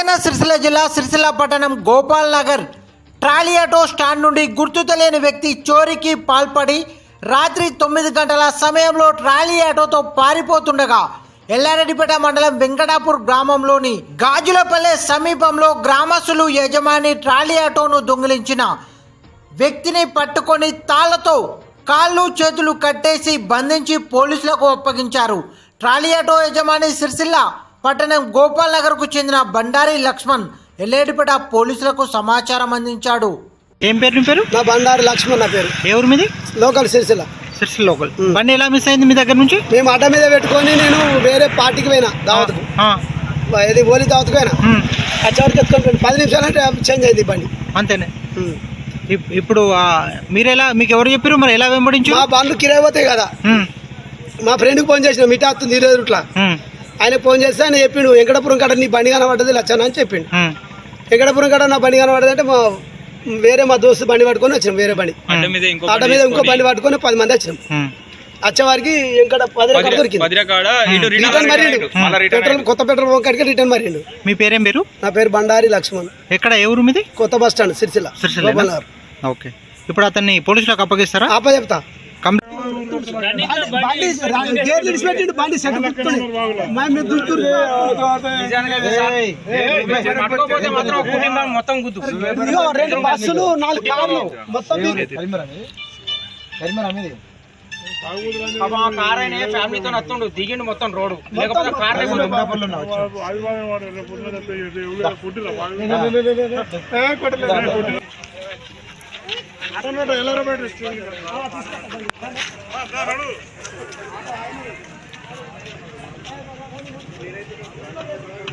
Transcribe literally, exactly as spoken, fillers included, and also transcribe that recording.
రాజన్న సిరిసిల్ల జిల్లా సిరిసిల్ల పట్టణం Gopal Nagar trolley auto stand నుండి గుర్తు తెలియని వ్యక్తి చోరీకి పాల్పడి రాత్రి తొమ్మిది గంటల సమయంలో ట్రాలీ ఆటోతో పారిపోతుండగా ఎల్లారెడ్డిపేట మండలం వెంకటాపూర్ గ్రామంలోని గాజులపల్లె సమీపంలో గ్రామస్తులు యజమాని ట్రాలీ ఆటోను దొంగిలించిన వ్యక్తిని పట్టుకొని తాళ్లతో కాళ్ళు చేతులు కట్టేసి బంధించి పోలీసులకు అప్పగించారు. ట్రాలీ ఆటో యజమాని సిరిసిల్ల పట్టణం గోపాల్ నగర్ కు చెందిన బండారి లక్ష్మణ్ ఎల్లేడిపేట పోలీసులకు సమాచారం అందించాడు. ఏం పేరు నీ పేరు? నా బండారి లక్ష్మణ్ నా పేరు. ఎవరు మీది? లోకల్ సిరిసిల్ల. సిరిసిల్ల లోకల్. బండి ఎలా మిస్ అయింది మీ దగ్గర నుంచి? మేము అడ్డ మీద పెట్టుకొని నేను వేరే పార్టీకి పోయినా దావత్కు, ఇది ఓలీ దావత్కు పోయినా. వచ్చేవరకు ఎత్తుకొని పది నిమిషాలు అంటే చేంజ్ అయింది బండి అంతేనే. ఇప్పుడు మీరు ఎలా, మీకు ఎవరు చెప్పారు మరి ఎలా వెంబడించు? మా బండ్లు కిరాయి పోతాయి కదా, మా ఫ్రెండ్కి ఫోన్ చేసిన మిఠా వస్తుంది ఇరవై రూట్ల, ఆయన ఫోన్ చేస్తే ఆయన చెప్పిండు వెంకటపురం కాడ నీ బండి కనబడ్డది లచ్చన అని చెప్పిండు. వెంకటపురం కాడ నా బండి కనబడ్డది అంటే మా వేరే మా దోస్తు బండి పట్టుకొని వచ్చినాం, వేరే బండి ఆట మీద ఇంకో బండి పట్టుకొని పది మంది వచ్చినాం. వచ్చేవారికి వెంకట పది రకాలు దొరికింది. రిటర్న్ మరిండు, పెట్రోల్ కొత్త పెట్రోల్ బంక్ కాడికి రిటర్న్ మరిండు. మీ పేరేం పేరు? నా పేరు బండారి లక్ష్మణ్. ఎక్కడ ఎవరు మీది? కొత్త బస్ స్టాండ్ సిరిసిల్ల. ఓకే, ఇప్పుడు అతన్ని పోలీసులకు అప్పగిస్తారా? అప్ప చెప్తా. రెండు బస్సులు నాలుగు కార్లు మొత్తం ఫ్యామిలీతో వస్తుండు దిగిండు మొత్తం రోడ్డు, లేకపోతే కార్ ఎలా